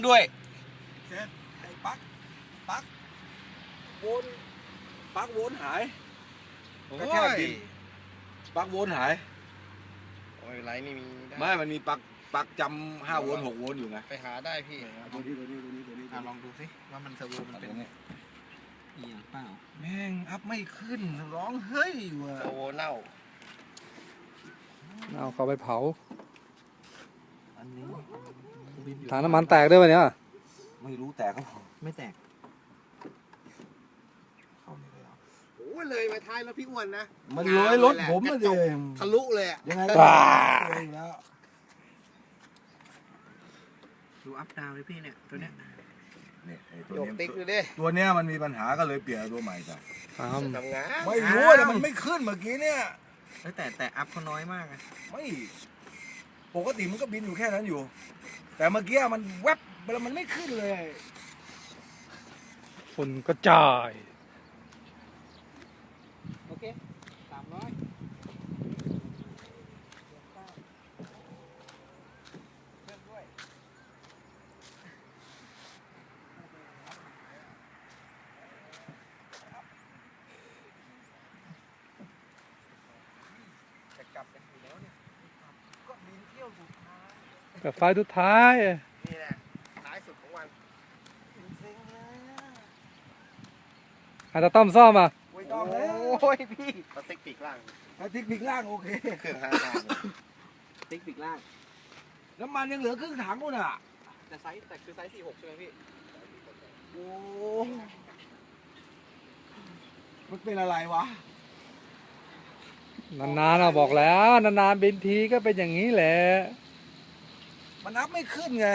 ด้วยเสร็จไอ้ปักวนปักวนหายก็แค่บินปักวนหายโอ้ยไรไม่มีไม่มันมีปักจำ5 โวลต์ 6 โวลต์อยู่ไงไปหาได้พี่ตัวนี้ลองดูสิว่ามันเซอร์โวมันเป็นเอียงเปล่าแม่งอัพไม่ขึ้นร้องเฮ้ยว่ะเซอร์โวเน่าเอาเขาไปเผาอันนี้ถังน้ำมันแตกด้วยวะเนี่ยไม่รู้แตกก็ไม่แตกเข้าเลยอ่ะโอ้เลยไปท้ายแล้วพี่อ้วนนะมันเลยรถผมมาดิทะลุเลยอ่ะยังไงก็เลยแล้วดูอัพดาวเลยพี่เนี่ยตัวเนี้ยนี่โยกติ๊กดูดิตัวเนี้ยมันมีปัญหาก็เลยเปลี่ยนตัวใหม่จ้ะทำงานไม่รู้แต่มันไม่ขึ้นเมื่อกี้เนี่ยแต่อัพเขาน้อยมากอะไม่ปกติมันก็บินอยู่แค่นั้นอยู่แต่เมื่อกี้มันแวบแล้วมันไม่ขึ้นเลยฝุ่นกระจายโอเค300กลับกันอยู่แล้วเนี่ยก็บินเที่ยวสุดท้ายแต่ไฟสุดท้ายนี่แหละท้ายสุดของวันเซ็งเลยอาจจะต้อมซ่อมอ่ะโอ้ยพี่สติ๊กปีกล่างสติ๊กปีกล่างโอเคเครื่อง5 ล่างสติ๊กปีกล่างน้ำมันยังเหลือครึ่งถังนู่นน่ะแต่คือไซส์46ใช่ไหมพี่โอ้มันเป็นอะไรวะนานๆเราบอกแล้วนานๆบินทีก็เป็นอย่างนี้แหละมันนับไม่ขึ้นไง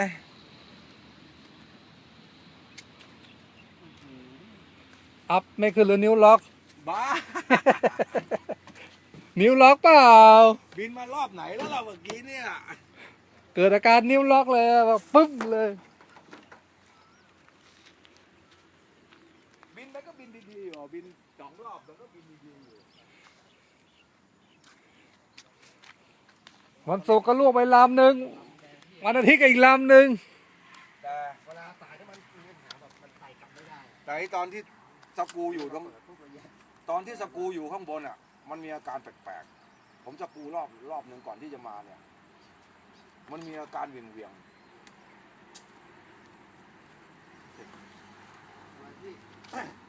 อัพไม่ขึ้นหรือนิ้วล็อกบ้านิ้วล็อกเปล่าบินมารอบไหนแล้วเราเมื่อกี้เนี่ยเกิดอาการนิ้วล็อกเลยแบบปึ๊บเลยบินไปก็บินดีๆอยู่บิน2 รอบแล้วก็บินดีๆอยู่วันศุกร์ก็ลวกไปลำหนึ่งวันอาทิตย์ก็อีกลำหนึ่งแต่เวลาสายถ้ามันมีปัญหาแบบมันไต่กลับไม่ได้แต่ตอนที่สกูอยู่ตอนที่สกูอยู่ข้างบนอ่ะมันมีอาการแปลกๆผมสกูรอบหนึ่งก่อนที่จะมาเนี่ยมันมีอาการเวียงๆ